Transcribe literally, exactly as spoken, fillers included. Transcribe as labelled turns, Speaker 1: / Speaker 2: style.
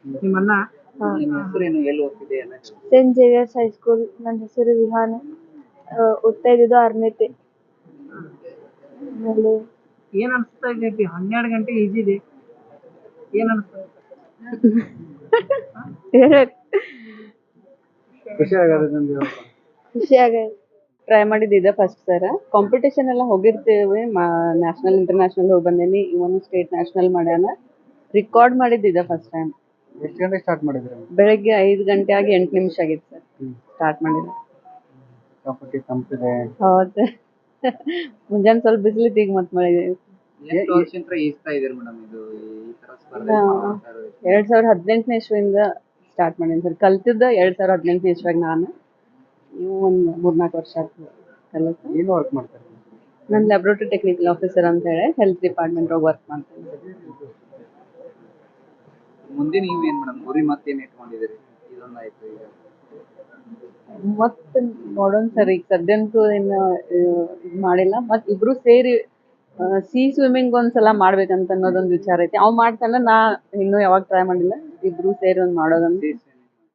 Speaker 1: ನಿಮ್ಮನ್ನ
Speaker 2: ಹಾ.
Speaker 1: ನಿಮ್ಮ ಹೆಸರೇನು ಎಲ್ಲಿ ಓದ್ತಿದೆ ಎಲ್ಲ ಹೇಳು.
Speaker 2: Saint Xavier's high school. ನನ್ನ ಹೆಸರು ವಿಹಾನ. ಆ, ಓದ್ತಾ ಇದ್ದಿದ್ದು ಆರನೇತೆ. ಆಮೇಲೆ
Speaker 1: ಏನ್ ಅನ್ಸ್ತಾ ಇದೆ ಹನ್ನೆರಡು ಗಂಟೆ ಈಜಿದೆ ಏನ್ ಅನ್ಸ್ತಾ ಖುಷಿ ಆಗೋದು
Speaker 2: ಖುಷಿ ಆಗೈತೆ.
Speaker 3: ಟ್ರೈ ಮಾಡಿದ್ದೆ ಫಸ್ಟ್ ಸರ ಕಾಂಪಿಟೇಷನ್ ಎಲ್ಲ ಹೋಗಿರ್ತೇವೆ ನ್ಯಾಷನಲ್ ಇಂಟರ್ನ್ಯಾಷನಲ್ ಹೋಗಿ ಬಂದೇನಿ ಇವನು ಸ್ಟೇಟ್ ನ್ಯಾಷನಲ್ ಮಾಡ್ಯಾನ ರಿಕಾರ್ಡ್ ಮಾಡಿದ್ದಿದೆ ಫಸ್ಟ್ ಟೈಮ್.
Speaker 1: ಎಷ್ಟು ಗಂಟೆ ಸ್ಟಾರ್ಟ್ ಮಾಡಿದ್ರಿ
Speaker 3: ಬೆಳಗ್ಗೆ ಐದು ಗಂಟೆ ಆಗಿ ಎಂಟು ನಿಮಿಷ ಆಗಿತ್ತು ಸರ್ ಸ್ಟಾರ್ಟ್ ಮಾಡಿದ್ರೆ.
Speaker 1: ಕಾಪಟ್ಟಿ ತಂಪಿದೆ
Speaker 3: ಹೌದು ಮುಂಜಾನೆ ಸ್ವಲ್ಪ ಬಿಸಿಲಿತ್ತು ಈಗ ಮತ್ತೆ ಮಳೆ.
Speaker 1: ಎಷ್ಟು ವರ್ಷದಿಂದ ಈಜ್ತಾ ಇದೀರಿ ಮೇಡಮ್ ಇದು ಈ ತರ ಸ್ಪರ್ಧೆ ಮಾಡ್ತಾ ಇರೋದು?
Speaker 3: ಎರಡ್ ಸಾವಿರದ ಹದಿನೆಂಟನೇ ಇಸ್ವಿಯಿಂದ ಸ್ಟಾರ್ಟ್ ಮಾಡೀನಿ ಸರ್. ಕಲ್ತಿದ್ದ ಎರಡ್ ಸಾವಿರದ ಹದಿನೆಂಟನೇ ಇಸ್ವಿಯಾಗ ನಾನು. ನೀವು ಒಂದು ಮೂರ್ನಾಲ್ಕು ವರ್ಷ ಆಗ್ತದೆ ಕಲಿತು.
Speaker 1: ಏನು ವರ್ಕ್ ಮಾಡ್ತಾರೆ?
Speaker 3: ನಾನು ಲ್ಯಾಬ್ರೋಟರಿ ಟೆಕ್ನಿಕಲ್ ಆಫೀಸರ್ ಅಂತ ಹೇಳಿ ಹೆಲ್ತ್ ಡಿಪಾರ್ಟ್ಮೆಂಟ್ ಒಳಗೆ ವರ್ಕ್ ಮಾಡ್ತೀನಿ.
Speaker 1: ಮುಂದೆ ನೀವು ಏನ್ ಮೇಡಮ್ ಗುರಿ ಮತ್ತೇನ್ ಇಟ್ಕೊಂಡಿದ್ದೀರಿ? ಇದೊಂದಾಯ್ತು ಈಗ
Speaker 3: ಮತ್ತೆ ನೋಡೋಣ ಸರ್. ಈಗ ಸದ್ಯಂತೂ ಏನು ಇದು ಮಾಡಿಲ್ಲ. ಮತ್ ಇಬ್ರು ಸೇರಿ ಸಿ ಸ್ವಿಮ್ಮಿಂಗ್ ಒಂದ್ಸಲ ಮಾಡ್ಬೇಕಂತ ಅನ್ನೋದೊಂದು ವಿಚಾರ ಐತಿ. ಅವ್ ಮಾಡ್ತಾನ ನಾ ಇನ್ನೂ ಯಾವಾಗ ಟ್ರೈ ಮಾಡಿಲ್ಲ. ಇಬ್ರು ಸೇರಿ ಒಂದ್ ಮಾಡೋದಂತ